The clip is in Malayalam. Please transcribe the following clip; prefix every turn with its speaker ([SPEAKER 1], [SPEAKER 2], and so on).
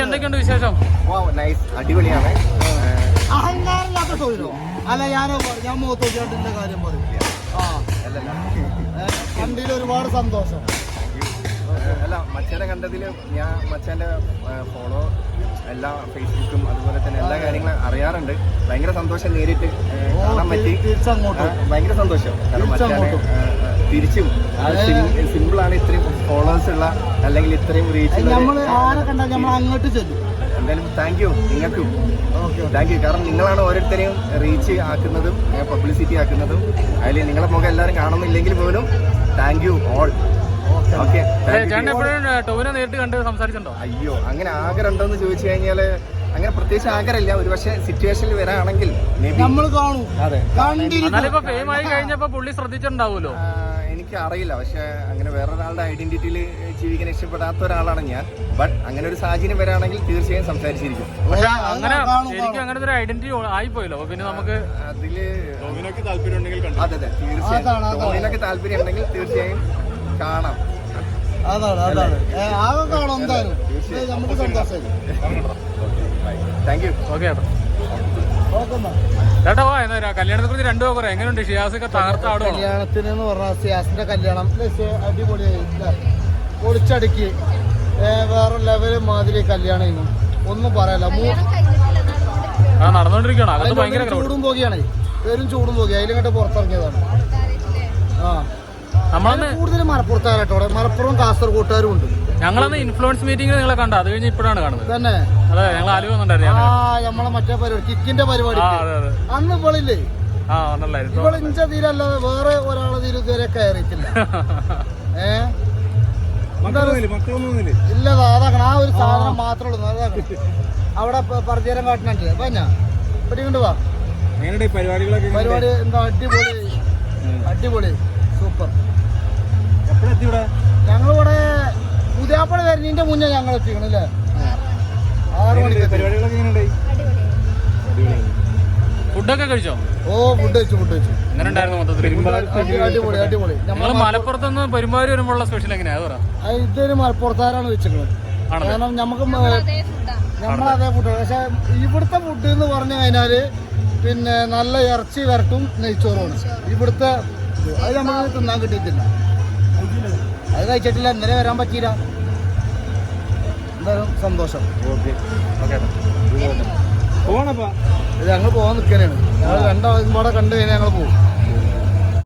[SPEAKER 1] എന്തൊക്കെയുണ്ട് വിശേഷം?
[SPEAKER 2] അടിപൊളിയാണ്.
[SPEAKER 3] അഹങ്കാരമില്ലാത്ത തൊഴിലോ? അല്ല ഞാൻ മുഖത്തോട്ടിന്റെ കാര്യം പറയും. വണ്ടിയിൽ ഒരുപാട് സന്തോഷം.
[SPEAKER 2] അല്ല, മച്ചാനെ കണ്ടതിൽ ഞാൻ മച്ചാന്റെ ഫോളോ എല്ലാ ഫേസ്ബുക്കും അതുപോലെ തന്നെ എല്ലാ കാര്യങ്ങളും അറിയാറുണ്ട്. ഭയങ്കര സന്തോഷം നേരിട്ട് കാണാൻ പറ്റി. ഭയങ്കര സന്തോഷം. കാരണം മച്ചാനെ തിരിച്ചും സിമ്പിളാണ്. ഇത്രയും ഫോളോവേഴ്സ് ഉള്ള അല്ലെങ്കിൽ ഇത്രയും റീച്ച്
[SPEAKER 3] അങ്ങോട്ട് ചെല്ലും.
[SPEAKER 2] എന്തായാലും താങ്ക് യു നിങ്ങൾക്കും. Thank you. കാരണം നിങ്ങളാണ് ഓരോരുത്തരെയും റീച്ച് ആക്കുന്നതും പബ്ലിസിറ്റി ആക്കുന്നതും. അതിൽ നിങ്ങളെ മുഖം എല്ലാവരും കാണുന്നില്ലെങ്കിൽ പോലും താങ്ക് യു ഓൾ.
[SPEAKER 1] നേരിട്ട് കണ്ട് സംസാരിച്ചിട്ടുണ്ടോ?
[SPEAKER 2] അയ്യോ, അങ്ങനെ ആഗ്രഹം ഉണ്ടോന്ന് ചോദിച്ചു കഴിഞ്ഞാല് അങ്ങനെ പ്രത്യേകിച്ച് ആഗ്രഹമില്ല. ഒരു പക്ഷേ സിറ്റുവേഷനിൽ വരാണെങ്കിൽ
[SPEAKER 3] നമ്മൾ കാണും.
[SPEAKER 2] അതെ,
[SPEAKER 1] കഴിഞ്ഞപ്പോ പുള്ളി ശ്രദ്ധിച്ചിട്ടുണ്ടാവുമല്ലോ.
[SPEAKER 2] എനിക്ക് അറിയില്ല. പക്ഷെ അങ്ങനെ വേറൊരാളുടെ ഐഡന്റിറ്റിയിൽ ജീവിക്കാൻ ഇഷ്ടപ്പെടാത്ത ഒരാളാണ് ഞാൻ. ബട്ട് അങ്ങനെ ഒരു സാഹചര്യം വരാണെങ്കിൽ തീർച്ചയായും സംസാരിച്ചിരിക്കും.
[SPEAKER 1] പക്ഷെ എനിക്ക് അങ്ങനത്തെ ഒരു ഐഡന്റിറ്റി ആയിപ്പോയല്ലോ. പിന്നെ നമുക്ക്
[SPEAKER 2] അതില് താല്പര്യം ഉണ്ടെങ്കിൽ അതെ അതെ തീർച്ചയായും താല്പര്യം ഉണ്ടെങ്കിൽ തീർച്ചയായും കാണാം.
[SPEAKER 3] അതാണ് ആകെ കാണാം. എന്തായാലും നമുക്ക് സന്തോഷം.
[SPEAKER 2] Thank you.
[SPEAKER 1] ഓക്കെ ചേട്ടാ, കല്യാണത്തെ കുറിച്ച് രണ്ടു പറയാം. എങ്ങനെയുണ്ട് ഷിയാസൊക്കെ തകർത്താടും?
[SPEAKER 3] കല്യാണത്തിന് പറഞ്ഞാൽ ഷിയാസിന്റെ കല്യാണം അടിപൊളിയായി, പൊളിച്ചടുക്കി വേറെ ലെവല് മാതിരി കല്യാണം. ഒന്നും പറയല്ല.
[SPEAKER 1] നടന്നോണ്ടിരിക്കുകയാണ്.
[SPEAKER 3] ചൂടും പോകിയാണ്, പേരും ചൂടും പോകി. അതിലിങ്ങോട്ട് പുറത്തിറങ്ങിയതാണ്. കൂടുതൽ മലപ്പുറത്താരട്ടോ. മലപ്പുറം കാസർഗോട്ടുകാരും ഉണ്ട്.
[SPEAKER 1] ഞങ്ങളന്ന് ഇൻഫ്ലുവൻസ് മീറ്റിംഗ് നിങ്ങളെ കണ്ട. അത് കഴിഞ്ഞ് ഇപ്പോഴാണ് കാണുന്നത്.
[SPEAKER 3] തന്നെ
[SPEAKER 1] അതെ, ഞങ്ങൾ ആലുവ വന്നിട്ടുണ്ടായിരുന്നു.
[SPEAKER 3] നമ്മളെ മറ്റേ പരിപാടി കിക്കിന്റെ പരിപാടി അന്ന് ഇവളില്ലേ, ഇവള് ഇഞ്ച തീരല്ലാതെ വേറെ ഒരാളെ തീരെ ഇതുവരെ കയറിയിട്ടില്ല. ഇല്ലതാ, അതാക്കണം. ആ ഒരു സാധനം മാത്രമേ ഉള്ളൂ. അതാക്കണം. അവിടെ പരിചയം കാട്ടുന്നുണ്ട്. പിന്നെ ഇവിടെ കൊണ്ട് വാ. പരിപാടി എന്താ അടിപൊളി സൂപ്പർ. ഞങ്ങളിവിടെ പുതിയാപ്പള വരുന്നതിന്റെ മുന്നേ ഞങ്ങൾ എത്തിക്കണല്ലേ. 6 മണിക്ക്.
[SPEAKER 1] ഫുഡൊക്കെ കഴിച്ചോ?
[SPEAKER 3] ഓ, ഫുഡ് കഴിച്ചു.
[SPEAKER 1] എങ്ങനെ ഉണ്ടായിരുന്നു മൊത്തത്തിൽ?
[SPEAKER 3] അടിപൊളി.
[SPEAKER 1] ഞങ്ങൾ മലപ്പുറത്തുനിന്ന് പെരുമ്പാവൂർ വരുമ്പോഴുള്ള സ്പെഷ്യൽ എങ്ങനെയാ?
[SPEAKER 3] ഇതൊരു മലപ്പുറത്താരാണ് വെച്ചിട്ടുള്ളത്. കാരണം നമുക്ക് നമ്മളതേ ഫുഡ്. പക്ഷെ ഇവിടുത്തെ ഫുഡ് എന്ന് പറഞ്ഞു കഴിഞ്ഞാല് പിന്നെ നല്ല ഇറച്ചി വരട്ടും നെയ്ച്ചോറുമാണ് ഇവിടുത്തെ. അത് നമുക്ക് തിന്നാൻ കിട്ടിയിട്ടില്ല. അത് കഴിച്ചിട്ടില്ല. ഇന്നലെ വരാൻ പറ്റിയില്ല. എന്തായാലും സന്തോഷം. ഞങ്ങൾ പോകാൻ നിൽക്കാനാണ്. ഞങ്ങൾ രണ്ടാളും കൂടെ കണ്ടു കഴിഞ്ഞാൽ ഞങ്ങൾ പോകും.